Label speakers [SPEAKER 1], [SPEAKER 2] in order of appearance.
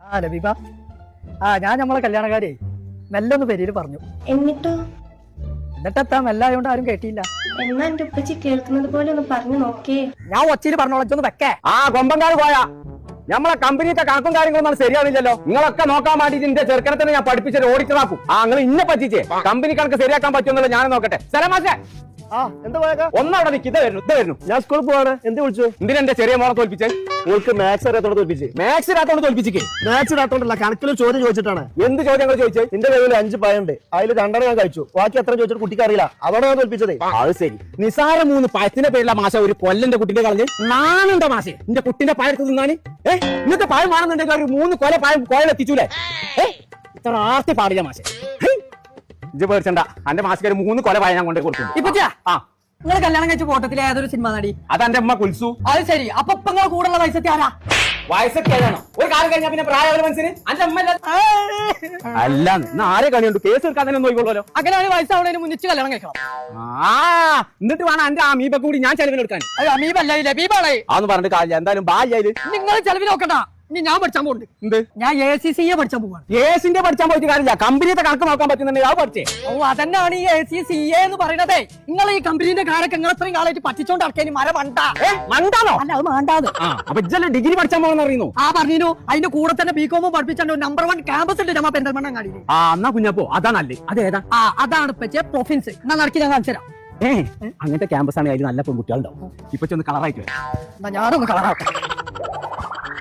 [SPEAKER 1] ലബീബ, ഞാൻ നമ്മളെ കല്യാണക്കാരെ മെല്ലെ ഒന്ന് പെരിയിൽ പറഞ്ഞു. എന്നിട്ടെത്താ മെല്ലായോണ്ട് ആരും കേട്ടില്ല.
[SPEAKER 2] എന്നാ എന്റെ ഉപ്പച്ചി കേൾക്കുന്നത് പോലെ ഒന്ന് പറഞ്ഞു നോക്കേ.
[SPEAKER 1] ഞാൻ ഒച്ചയിൽ പറഞ്ഞോളച്ചൊന്ന് വെക്കേ.
[SPEAKER 3] കൊമ്പങ്കാട് പോയാ നമ്മളെ കമ്പനിയുടെ കണക്കും കാര്യങ്ങളൊന്നും ശരിയാവില്ലല്ലോ. നിങ്ങളൊക്കെ നോക്കാൻ വേണ്ടിട്ട് എന്റെ ചെറുക്കനെ തന്നെ ഞാൻ പഠിപ്പിച്ചത് ഓടിച്ചതാക്കും. നിങ്ങൾ ഇന്നെ പറ്റിച്ചേ കമ്പനി കണക്ക് ശരിയാക്കാൻ പറ്റുമെന്നുള്ള ഞാൻ നോക്കട്ടെ. സ്ഥലമാശേ
[SPEAKER 4] എന്താ പോയാ
[SPEAKER 3] ഒന്നവിടെ നിൽക്ക്. ഇത് വരുന്നു.
[SPEAKER 4] ഞാൻ സ്കൂളിൽ പോവാണ്. എന്ത് വിളിച്ചു?
[SPEAKER 3] എന്തിനാ എന്റെ ചെറിയ മോളെ തോൽപ്പിച്ചേ?
[SPEAKER 4] നിങ്ങൾക്ക് മാത്സ് അറിയാത്തോടെ തോൽപ്പിച്ച്.
[SPEAKER 3] മാത്സ് ഇടാത്തോണ്ട് തോൽപ്പിച്ചേ?
[SPEAKER 4] മാത്സ് ഇടാത്തോണ്ടല്ല, കണക്കിൽ ചോദ്യം ചോദിച്ചിട്ടാണ്.
[SPEAKER 3] എന്ത് ചോദ്യങ്ങൾ ചോദിച്ചേ?
[SPEAKER 4] എന്റെ കയ്യിൽ 5 പഴമുണ്ട്, അതിൽ 2 ഞാൻ കഴിച്ചു, ബാക്കി എത്ര ചോദിച്ചിട്ട് കുട്ടിക്ക് അറിയില്ല. അതോടെ ഞാൻ തോൽപ്പിച്ചത്.
[SPEAKER 3] അത് ശരി. നിസാര 3 പഴത്തിന്റെ പേരിലുള്ള മാഷ ഒരു കൊല്ലന്റെ കുട്ടിന്റെ കളഞ്ഞ് നാനുണ്ടോ മാഷെ എന്റെ കുട്ടിന്റെ പഴത്ത് തിന്നാന്? ഇന്നത്തെ പഴം വേണമെന്നുണ്ടെങ്കിൽ ഒരു 3 കൊല പഴം കോയിലെത്തിച്ചൂലേ? ഇത്ര ആർത്തി പാടില്ല മാഷെ. ഇജ്ജ് പേടിച്ചണ്ട, എന്റെ മാസിക്ക് 3 കൊല പഴം ഞാൻ കൊണ്ടേ കൊടുക്കും.
[SPEAKER 1] നിങ്ങൾ കല്യാണം കഴിച്ച ഫോട്ടത്തിലെ ഏതൊരു സിനിമ നടി?
[SPEAKER 3] അതെന്റെ അമ്മ കുൽസു.
[SPEAKER 1] അത് ശരി. അപ്പൊ നിങ്ങളെ കൂടെയുള്ള വയസ്സത്തി ആരാ?
[SPEAKER 3] വയസ്സൊക്കെ ഏതാണോ? ഒരു കാലം കഴിഞ്ഞാൽ പിന്നെ പ്രായം ഒരു മനസ്സിന് അന്റെ അമ്മ അല്ല. ആരെ കളിയുണ്ട്? കേസ് എടുക്കാൻ തന്നെ നോക്കിക്കോളൂല്ലോ.
[SPEAKER 1] അങ്ങനെയാണ് വയസ്സാവണേന് മുന്നിച്ച് കല്യാണം കഴിക്കണം.
[SPEAKER 3] എന്നിട്ട് വേണം എന്റെ അമീബ കൂടി ഞാൻ ചെലവിനെടുക്കാൻ.
[SPEAKER 1] അത് അമീബല്ല, ലബീബാണ്.
[SPEAKER 3] അതൊന്നും പറഞ്ഞിട്ട് കാര്യമില്ല. എന്തായാലും ബാല്യത്
[SPEAKER 1] നിങ്ങൾ ചെലവിൽ നോക്കണ്ട. ഇനി ഞാൻ പഠിച്ചാൻ പോകുന്നുണ്ട്.
[SPEAKER 3] എന്ത്?
[SPEAKER 1] ഞാൻ ACCA പഠിച്ചാൻ പോവാണ്.
[SPEAKER 3] കേസിന്റെ പഠിച്ചാൻ പോയിട്ട് കാര്യമില്ല, കമ്പനിയുടെ കണക്ക് നോക്കാൻ പറ്റുന്നുണ്ടെങ്കിൽ അത് പഠിച്ചേ.
[SPEAKER 1] അതന്നെയാണ് ഈ ACCA എന്ന് പറയുന്നത്. നിങ്ങൾ ഈ കമ്പനിന്റെ കാരൊക്കെ നിങ്ങൾ അത്രയും കാലമായിട്ട് പറ്റിച്ചോണ്ട് ഇറക്കാൻ മര
[SPEAKER 3] മണ്ടാണോ?
[SPEAKER 1] അല്ല, അത് വേണ്ടാത്.
[SPEAKER 3] അപ്പൊ ഇജ്ജല്ലേ ഡിഗ്രി പഠിച്ചാൻ പോകാൻ അറിയുന്നു?
[SPEAKER 1] പറഞ്ഞു. അതിന്റെ കൂടെ തന്നെ BCom പഠിപ്പിച്ചാൽ നമ്പർ 1 ക്യാമ്പസ് ഉണ്ട് നമ്മ പെരിന്തൽമണ്ണ കാണില്ലേ.
[SPEAKER 3] എന്നാ കുഞ്ഞപ്പോ അതാണല്ലേ? അതേതാ?
[SPEAKER 1] അതാണ് ഇപ്പൊ പ്രൊഫിൻസ്. എന്നാ നടക്കി ഞാൻ കാണിച്ചു തരാം.
[SPEAKER 3] അങ്ങനത്തെ ക്യാമ്പസ് ആണ് അതിൽ നല്ല പെൺകുട്ടികളുണ്ടാവും. ഇപ്പൊ ഒന്ന് കളറായിട്ട്
[SPEAKER 1] ഞാനൊന്ന് കളറാക്കാം.